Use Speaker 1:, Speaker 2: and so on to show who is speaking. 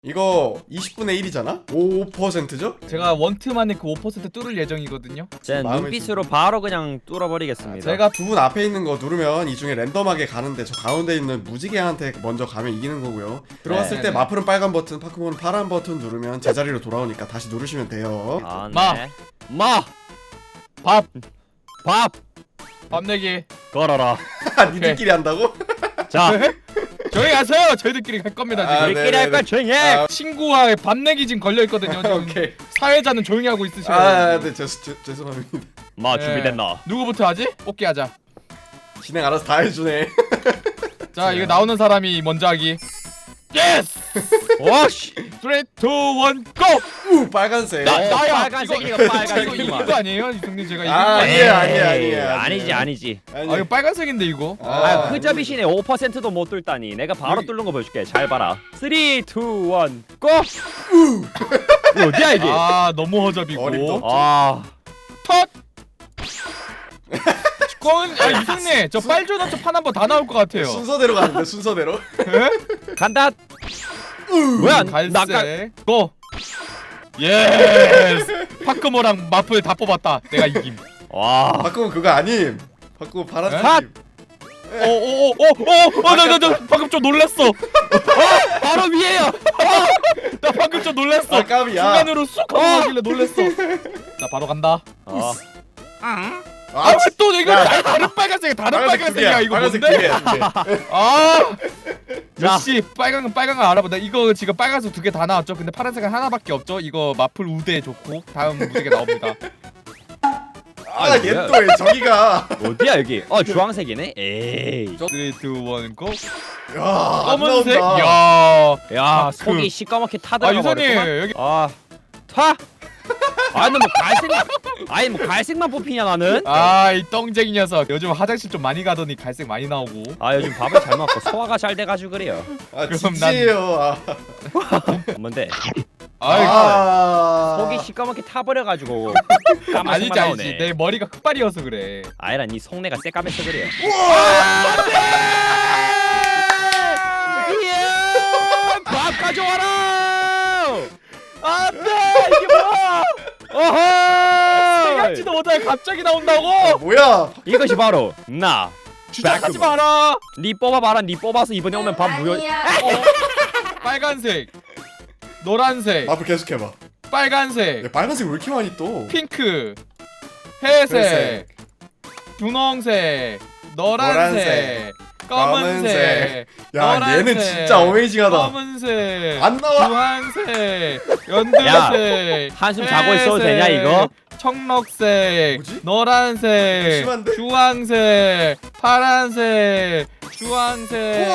Speaker 1: 이거 20분의 1이잖아? 5%죠?
Speaker 2: 제가 원트만에 그 5% 뚫을 예정이거든요.
Speaker 3: 제
Speaker 1: 마음의
Speaker 3: 눈빛으로 바로 그냥 뚫어버리겠습니다.
Speaker 2: 제가
Speaker 1: 두 분 앞에 있는 거 누르면 이 중에 랜덤하게 가는데 저 가운데 있는 무지개한테 먼저 가면 이기는 거고요. 들어왔을
Speaker 2: 네,
Speaker 1: 때
Speaker 2: 네.
Speaker 1: 마플은 빨간 버튼, 파크몬은 파란 버튼 누르면 제자리로 돌아오니까 다시 누르시면 돼요.
Speaker 3: 아,
Speaker 2: 마.
Speaker 3: 네. 마.
Speaker 2: 밥
Speaker 3: 밥
Speaker 2: 내기.
Speaker 3: 걸어라.
Speaker 1: 니들끼리 한다고?
Speaker 3: 자,
Speaker 2: 조용히 하세요. 저희들끼리 할 겁니다 지금.
Speaker 1: 아,
Speaker 3: 우리끼리
Speaker 1: 네,
Speaker 3: 할
Speaker 1: 네,
Speaker 3: 거야
Speaker 1: 네.
Speaker 3: 조용히 해.
Speaker 1: 아,
Speaker 2: 친구와 밥 내기 지금 걸려 있거든요. 지금
Speaker 1: 오케이.
Speaker 2: 사회자는 조용히 하고 있으셔야
Speaker 1: 아,
Speaker 2: 돼요.
Speaker 1: 네, 죄송합니다.
Speaker 3: 마 준비됐나?
Speaker 2: 누구부터 하지? 뽑기 하자.
Speaker 1: 진행 알아서 다 해주네.
Speaker 2: 자, 이거 나오는 사람이 먼저 하기. 예스!
Speaker 3: 오씨.
Speaker 2: 3, 2, 1, 고!
Speaker 1: 우, 빨간색.
Speaker 2: 나야!
Speaker 3: 빨간색
Speaker 2: 이거-
Speaker 3: 이거 빨간색
Speaker 2: 이거 아니에요? 이승님 제가 이긴
Speaker 1: 아,
Speaker 2: 거
Speaker 1: 아니에요,
Speaker 2: 아니에요?
Speaker 1: 아니에요.
Speaker 3: 아니지 아니지.
Speaker 2: 아, 이거 빨간색인데 이거?
Speaker 3: 아, 흐접이시네. 5%도 못 뚫다니. 내가 바로
Speaker 2: 여기-
Speaker 3: 뚫는 거 보여줄게. 잘 봐라. 3, 2, 1, 고! 이거 어디야 이게?
Speaker 2: 아, 너무 허접이고.
Speaker 1: 어림도
Speaker 3: 아,
Speaker 2: 텄! 이승님 저 빨주노 판 한번 다 나올 것 같아요.
Speaker 1: 순서대로 가는데, 순서대로.
Speaker 3: 간다. 뭐야? 나 아까
Speaker 2: 갈색 고! 예스! 파크모랑 마플 다 뽑았다. 내가 이김.
Speaker 3: 와.
Speaker 1: 바꾸면 그거 아님. 바꾸면 파란색.
Speaker 3: 핫!
Speaker 2: 나 방금 좀 놀랐어.
Speaker 3: 바로 위에요.
Speaker 2: 나 방금 좀 놀랐어.
Speaker 1: 아, 깜이야.
Speaker 2: 순간으로 쑥 하고 가길래 놀랐어. 자, 바로 간다.
Speaker 1: 아,
Speaker 2: 또 이거 다른 빨간색, 다른 빨간색이야 이거
Speaker 1: 빨간색
Speaker 2: 뭔데?
Speaker 1: 두 개.
Speaker 2: 아,
Speaker 3: 자.
Speaker 2: 역시 빨간 거 알아보다. 이거 지금 빨간색 2개 다 나왔죠. 근데 파란색은 하나밖에 없죠. 이거 마플 우대 좋고 다음 무지개 나옵니다.
Speaker 1: 아, 얘 또 왜 저기가.
Speaker 3: 어디야 여기? 주황색이네. 에이.
Speaker 2: 3, 2, 1, 고!
Speaker 1: 야, 안
Speaker 2: 검은색?
Speaker 1: 나온다.
Speaker 2: 야,
Speaker 3: 야, 속이 시꺼멓게 타들어가
Speaker 2: 유선님
Speaker 3: 버렸구만.
Speaker 2: 여기
Speaker 3: 타? 아니 뭐 갈색만 아니 뭐 갈색만 뽑히냐 나는?
Speaker 2: 이 똥쟁이 녀석. 요즘 화장실 좀 많이 가더니 갈색 많이 나오고.
Speaker 3: 아 요즘 밥을 잘 먹고 소화가 잘 돼가지고 그래요.
Speaker 1: 아,
Speaker 2: 그럼
Speaker 1: 진지해요. 아,
Speaker 3: 뭔데?
Speaker 1: 아,
Speaker 3: 속이 시꺼멓게 타버려가지고
Speaker 2: 아니지
Speaker 3: 까만색만
Speaker 2: 아니지.
Speaker 3: 나오네.
Speaker 2: 내 머리가 흑발이어서 그래.
Speaker 3: 아이라 니 속내가 새까매서 그래. 밥 가져와라!
Speaker 2: 안돼 이게 뭐야?
Speaker 3: 어허!
Speaker 2: 생각지도 못하게 갑자기 나온다고?
Speaker 1: 뭐야?
Speaker 3: 이것이 바로 나.
Speaker 2: 주작하지 마라.
Speaker 3: 니 뽑아봐라. 니 뽑아서 이번에 오면 밥 무효.
Speaker 2: 빨간색, 노란색,
Speaker 1: 앞으로 계속 해봐.
Speaker 2: 빨간색,
Speaker 1: 야, 빨간색 왜 이렇게 많이 또?
Speaker 2: 핑크, 회색,
Speaker 1: 회색,
Speaker 2: 분홍색, 노란색, 검은색,
Speaker 1: 야,
Speaker 2: 노란색,
Speaker 1: 얘는 진짜 어메이징하다.
Speaker 2: 검은색,
Speaker 1: 안 나와.
Speaker 2: 주황색, 연두색,
Speaker 3: 한숨 자고 있어도 되냐, 이거?
Speaker 2: 청록색,
Speaker 1: 뭐지?
Speaker 2: 노란색,
Speaker 1: 심한데?
Speaker 2: 주황색, 파란색, 주황색,